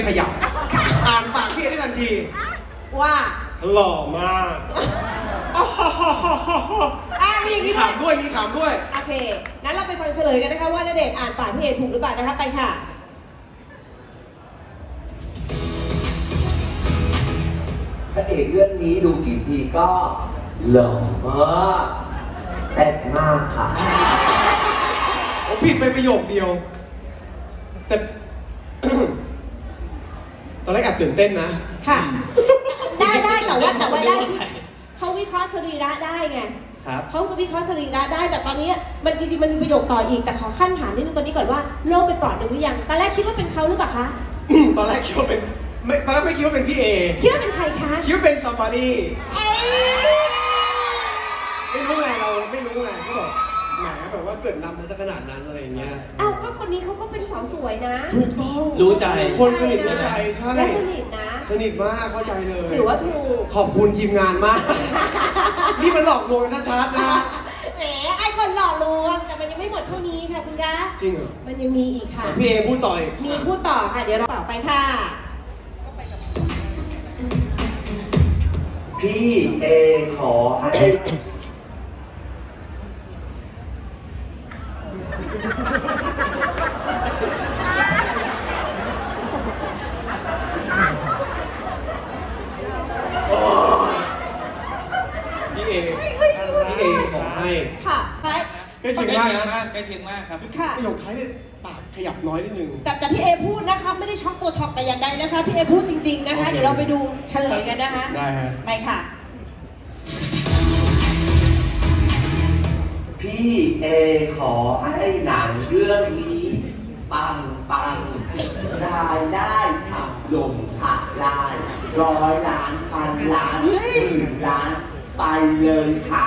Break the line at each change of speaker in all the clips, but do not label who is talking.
ขยับอ่านปากพี่เอได้ทันที
ว่า
หล่อมาก
มี
ขำด้วยมีขำด้วย
โอเคนั้นเราไปฟังเฉลยกันนะคะว่าณเดชน์อ่านปากพี่เอถูกหรือเปล่านะคะไปค่ะ
พระเอกเรื่องนี้ดูกี่ทีก็หล่อมากแซ่บมากค่ะ
ผมผิดไปประโยคเดียวแต่ ตอนแรกแอบตื่นเต้นนะ
ค่ะได้แต่ว่าได้ที่เขาวิเคราะห์สรีระได้ไงเขาวิเคราะห์สรีระได้แต่ตอนนี้มันจริงๆมันมีประโยคต่ออีกแต่ขอขั้นถามนิดนึงตอนนี้ก่อนว่าโล่งไปปลอดหนึ่งหรือยังตอนแรกคิดว่าเป็นเขาหรือเปล่าคะ
ตอนแรกคิดว่าเป็นตอนแรกไม่คิดว่าเป็นพี่เอ
คิดว่าเป็นใครคะ
คิดว่าเป็น somebody ไม่รู้ไงเราไม่รู้ไงก็แบบแหมแบบว่าเกิดนำมาสักขนาดนั้นอะไรอย่างเงี้ย
ก็คนนี้เขาก็เป็นสาวสวยนะ
ถูกต้อง
รู้ใจ
คนสนิทรู้ใจใช่
และสนิทนะ
สนิทมากเข้าใจเลย
ถือว่าถูก
ขอบคุณทีมงานมากนี่มันหลอกลวงกันชัดๆนะ
แหมไอ้คนหลอกลวงแต่มันยังไม่หมดเท่านี้ค่ะคุณคะ
จริงเหรอ
มันยังมีอีกค่ะ
พี่เอพูดต่อ
มีพูดต่อค่ะเดี๋ยวเราต่อไปค่ะ
พี่เอขอให้
พี่เอขอให้
ค่ะไป
ใกล้เคียงมากนะ
ใกล้เคียงมากครับ
ค่ะ
ประโยคท้ายเนี่ยปากขยับน้อยนิดนึง
แต่พี่เอพูดนะคะไม่ได้ช็อกโบท็อกแต่อย่างใดนะคะพี่เอพูดจริงๆนะคะเดี๋ยวเราไปดูเฉลยกันนะคะ
ได้ฮะ
ไปค่ะ
พี่เอขอให้หนังเรื่องนี้ปังรายได้ทำลงถักลาย100 ล้านพันล้าน10,000 ล้านไปเลยค่ะ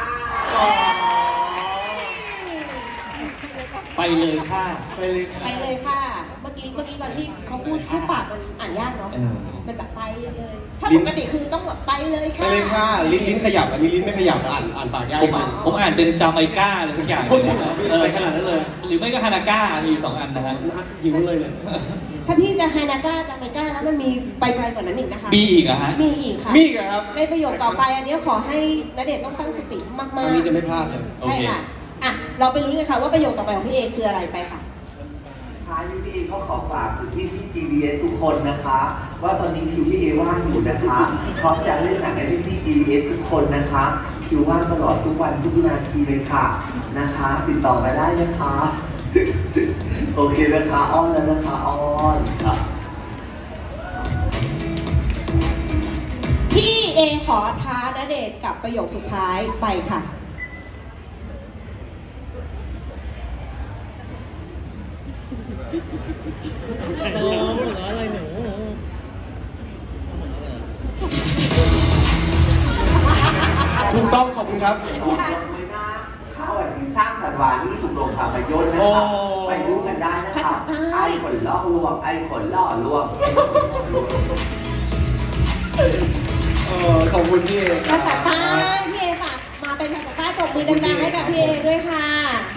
ไปเลยค่ะ
ไปเลยค่ะ
ไปเลยค่ะเมื่อกี้ตอนที่เขาพูดปากมันอ่านยากเนาะมันแบบไปเลยถ้าปกติคือต้องแบบไปเลยค่ะ
ไปเลยค่ะลิ้นขยับอันนี้ลิ้นไม่ขยับอ่านปากยาก
ผมอ่านเป็นจาไมก้าอะไรสักอย่าง
จริงเหรอไปขนาดนั้นเลย
หรือไม่ก็ฮานาก้ามีอยู่2 อันนะครับ
หิวเลย
ถ้าพี่จะฮานาก้าจาไมก้าแล้วมันมีไปไกลกว่านั้นอีกนะคะ
มีอีกเหรอฮะ
มีอีกค่ะ
มีอีกครับ
ในประโยคต่อไปอันนี้ขอให้ณเดชน์ต้องตั้งสติมากๆ
อันนี้จะไม่พลาดเลย
ใช่ค่ะเราไปรู้กันค่ะว่าประโยคต่อไปของพี่เอคืออะไรไปค่ะ
พี่เอก็ขอฝากถึงพี่GDS ทุกคนนะคะว่าตอนนี้คิวพี่เอว่างอยู่นะคะพร้อมจะเล่นหนังให้พี่GDS ทุกคนนะคะคิวว่างตลอดทุกวันทุกนาทีเลยค่ะนะคะติดต่อมาได้นะคะโอเคนะคะอ้อนแล้วนะคะอ้อนค่ะ
พี่เอขอท้าณเดชน์กับประโยคสุดท้ายไปค่ะ
ถูกต้องขอบคุณครับ
ข้าวที่สร้างสันวานี่ถูกลงภาพยนตร์นะคะไปดูกันได้นะคะไอ้ขนล่อลวงไอ้ขนล่อลวง
ขอบคุณพี่เอ
ภาษาใต้พี่เอฝากมาเป็นภาษาใต้ปรบมือดังๆให้กับพี่เอด้วยค่ะ